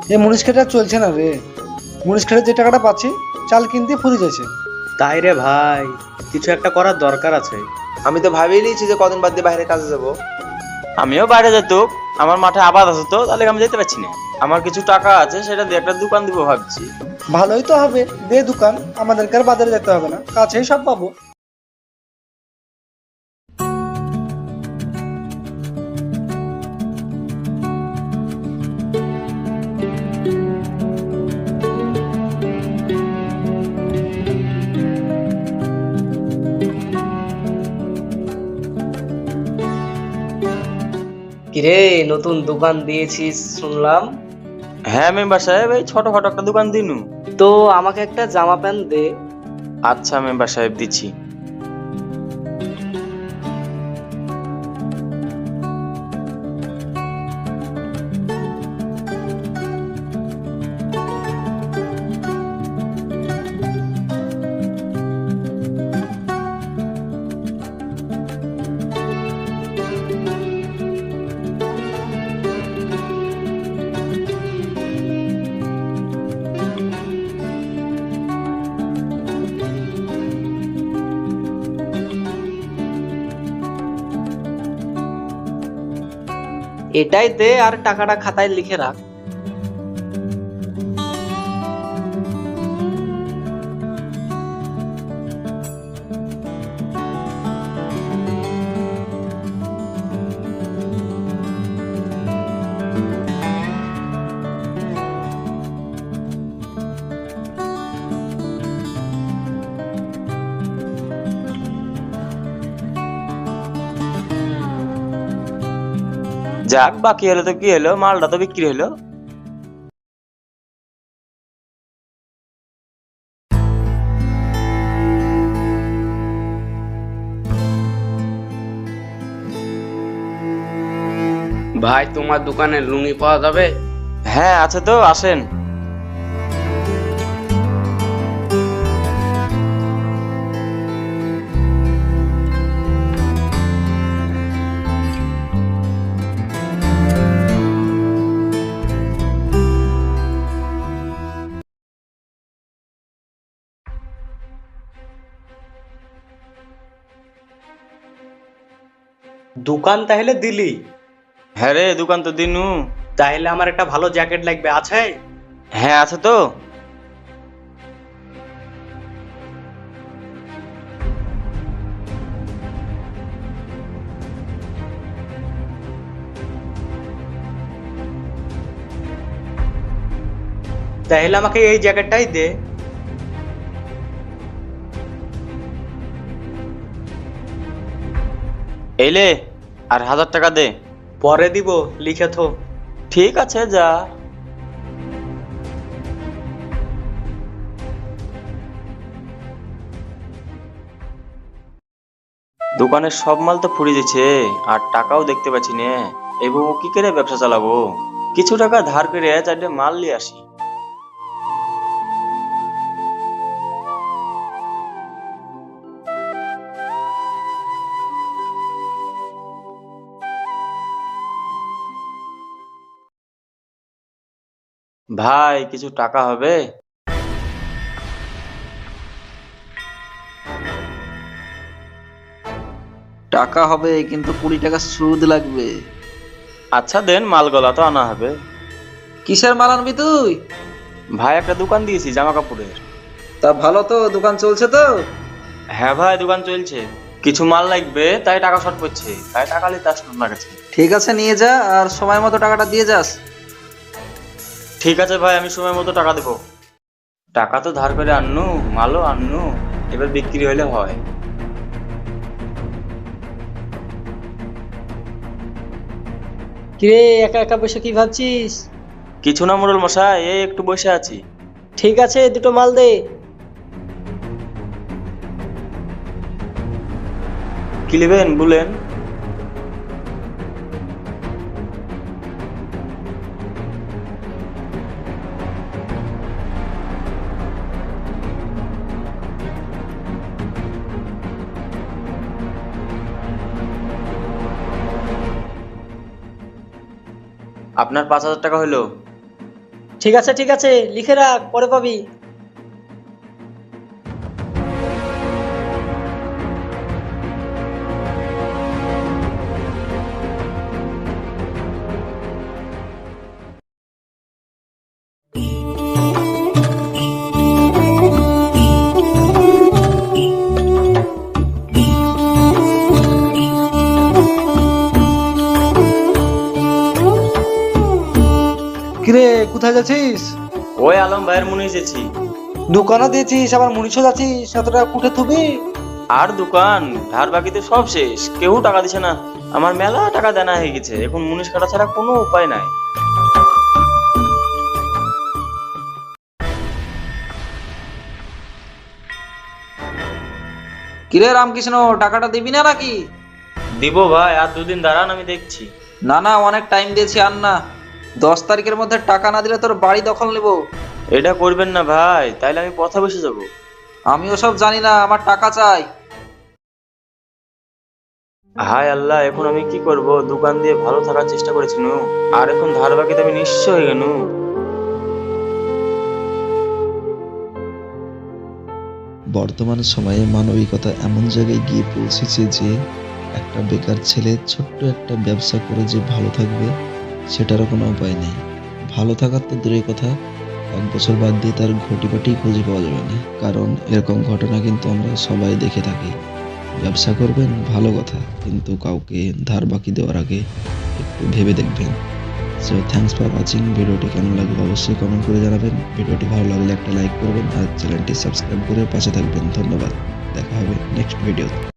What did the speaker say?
এই মুনিশ খেতে আর চলছে না রে। মুনিশ খেতে যে টাকাটা পাচ্ছি চাল কিনতে ফুরিয়ে যাচ্ছে। তাই রে ভাই, কিছু একটা করার দরকার আছে। আমি তো ভাবিয়ে নিয়েছি যে কদিন বাদ দিয়ে বাইরে কাজে যাব। আমিও বাইরে যেত, আমার মাঠে আবাদ আছে তো, তাহলে আমি যেতে পারছি না। আমার কিছু টাকা আছে, সেটা দিয়ে একটা দোকান দিব ভাবছি। ভালোই তো হবে, দে দোকান, আমাদেরকে আর বাজারে যেতে হবে না, কাছেই সব পাবো। কিরে, নতুন দোকান দিয়েছিস শুনলাম। হ্যাঁ মেম্বার সাহেব, এই ছোটখাটো একটা দোকান দিনু। তো আমাকে একটা জামা প্যান্ট দে। আচ্ছা মেম্বার সাহেব, দিচ্ছি। এটাই দে আর টাকাটা খাতায় লিখে রাখ। যাক, বাকি হলো তো কি হলো, মালটা তো বিক্রি হলো। ভাই, তোমার দোকানে লুঙ্গি পাওয়া যাবে? হ্যাঁ আছে তো, আসেন। দোকান তাহলে দিলি? হ্যাঁ রে, দোকান তো দিনু। তাহলে আমার একটা ভালো জ্যাকেট লাগবে, আছে? হ্যাঁ আছে তো। তাহলে আমাকে এই জ্যাকেটটাই দে। এলে আর 1000 টাকা দে। পরে দিব, লিখে থো। ঠিক আছে, যা। দোকানের সব মাল তো ফুরিয়ে যাচ্ছে, আর টাকাও দেখতে পাচ্ছি না। এইভাবে কি করে ব্যবসা চালাবো? কিছু টাকা ধার করে 4টে মাল নিয়ে আসি। ভাই, কিছু টাকা হবে? টাকা হবে, কিন্তু 20 টাকা সুদ লাগবে। আচ্ছা দেন, মালগুলা তো আনা হবে। কিসের মাল আনবি তুই? ভাই, একটা দোকান দিয়েছি জামা কাপড়ের। তা ভালো তো, দোকান চলছে তো? হ্যাঁ ভাই, দোকান চলছে। কিছু মাল লাগবে, তাই টাকা শর্ট পড়ছে, তাই টাকা নিতে আসলাম আপনার কাছে। ঠিক আছে, নিয়ে যা, আর সময় মতো টাকাটা দিয়ে যাস। ঠিক আছে ভাই, আমি সময় মতো টাকা দেবো। টাকা তো ধার করে আননু, মালও আননু, এবার বিক্রি হলে হয়। কিরে, একা একা বসে কি ভাবছিস? কিছু না মোড়ল মশাই, এই একটু বসে আছি। ঠিক আছে, দুটো মাল দে। কি নেবেন বলেন? আপনার 5000 টাকা হলো। ঠিক আছে, লিখে রাখ, পরে পাবি। কিরে কোথায় যাচ্ছিস? ওই আলম ভাইয়ের মনে এসেছি। দোকানে দিয়েছিস আবার মুনিশও যাচ্ছিস, এত টাকা কুঠে থুবি? আর দোকান ধার বাকিতে সব শেষ, কেউ টাকা দিছে না। আমার মেলা টাকা দেনা হয়ে গেছে, এখন মুনিশ কাটা ছাড়া কোনো উপায় নাই। কিরে রামকৃষ্ণ, টাকাটা দিবি না নাকি? দিব ভাই, আর দুদিন দাঁড়ান, আমি দেখছি। না না, অনেক টাইম দিয়েছি, আর না। 10 তারিখের মধ্যে টাকা না দিলে তোর বাড়ি দখল নেব। এটা করবেন না ভাই, তাইলে আমি পথে বসে যাব। আমি ওসব জানি না, আমার টাকা চাই। হায় আল্লাহ, এখন আমি কি করব? দোকান দিয়ে ভালো থাকার চেষ্টা করেছি নু, আর এখন ধার বাকিতে আমি নিঃস্ব হয়ে গেল। বর্তমান সময়ে মানবিকতা এমন জায়গায় গিয়ে পৌঁছেছে যে একটা বেকার ছেলে ছোট্ট একটা ব্যবসা করে যে ভালো থাকবে সেটারও কোনো উপায় নেই। ভালো থাকার তো দূরের কথা, 1 বছর বাদ দিয়ে তার ঘটিবাটি খুঁজে পাওয়া যাবে না। কারণ এরকম ঘটনা কিন্তু আমরা সবাই দেখে থাকি। ব্যবসা করবেন ভালো কথা, কিন্তু কাউকে ধার বাকি দেওয়ার আগে একটু ভেবে দেখবেন। So thanks for watching. ভিডিওটি কেমন লাগলো অবশ্যই কমেন্ট করে জানাবেন। ভিডিওটি ভালো লাগলে একটা লাইক করবেন আর চ্যানেলটি সাবস্ক্রাইব করে পাশে থাকবেন। ধন্যবাদ, দেখা হবে নেক্সট ভিডিও।